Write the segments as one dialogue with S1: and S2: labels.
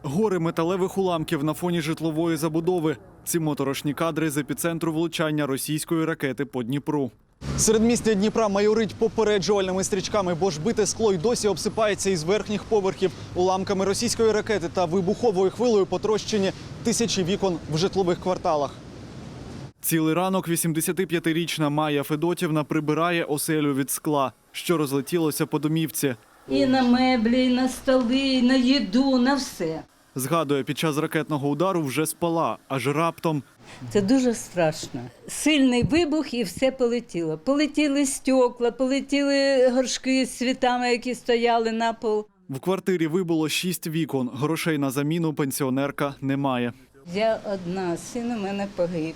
S1: Гори металевих уламків на фоні житлової забудови. Ці моторошні кадри з епіцентру влучання російської ракети по Дніпру. Середмістя Дніпра майорить попереджувальними стрічками, бо ж бите скло й досі обсипається із верхніх поверхів. Уламками російської ракети та вибуховою хвилею потрощені тисячі вікон в житлових кварталах. Цілий ранок 85-річна Майя Федотівна прибирає оселю від скла, що розлетілося по домівці.
S2: І на меблі, і на столи, і на їду, на все.
S1: Згадує, під час ракетного удару вже спала, аж раптом.
S2: Це дуже страшно. Сильний вибух і все полетіло. Полетіли стекла, полетіли горшки з цвітами, які стояли на пол.
S1: В квартирі вибуло 6 вікон. Грошей на заміну пенсіонерка немає.
S2: Я одна, син у мене погиб.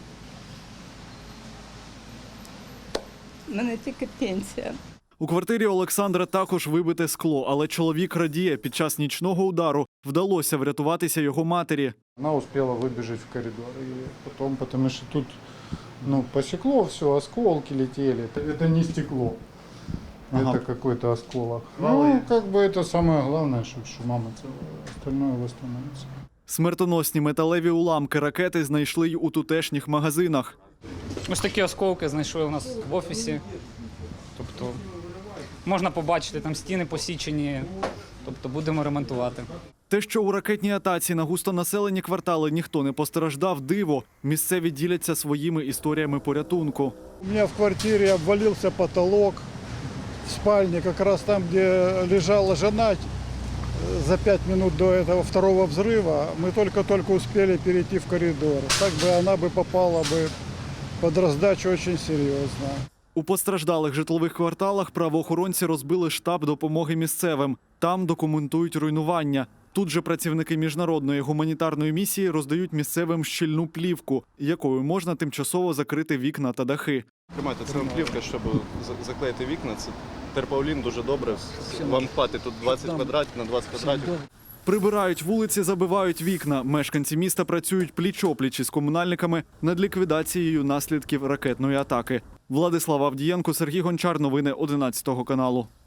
S2: У мене тільки пенсія.
S1: У квартирі Олександра також вибите скло, але чоловік радіє, під час нічного удару вдалося врятуватися його матері.
S3: Она успела выбежать в коридор. И потом, потому что тут посекло все, осколки летели. Это не стекло, это какой-то осколок. Как бы это самое главное, что мама целая, остальное восстановится.
S1: Смертоносні металеві уламки ракети знайшли й у тутешніх магазинах.
S4: Ось такі осколки знайшли у нас в офісі. Тобто можна побачити, там стіни посічені, тобто будемо ремонтувати.
S1: Те, що у ракетній атаці на густонаселені квартали ніхто не постраждав, диво. Місцеві діляться своїми історіями порятунку.
S5: У меня в квартире обвалился потолок в спальне, как раз там, где лежала жена. За 5 минут до этого второго взрыва мы только-только успели перейти в коридор. Так бы она бы попала бы под раздачу очень серьезно.
S1: У постраждалих житлових кварталах правоохоронці розбили штаб допомоги місцевим. Там документують руйнування. Тут же працівники міжнародної гуманітарної місії роздають місцевим щільну плівку, якою можна тимчасово закрити вікна та дахи.
S6: Тримайте, це плівка, щоб заклеїти вікна. Це терпаулін дуже добре. Вам хватить тут 20 квадратів на 20 квадратів.
S1: Прибирають вулиці, забивають вікна. Мешканці міста працюють пліч-опліч із комунальниками над ліквідацією наслідків ракетної атаки. Владислав Авдієнко, Сергій Гончар. Новини 11 каналу.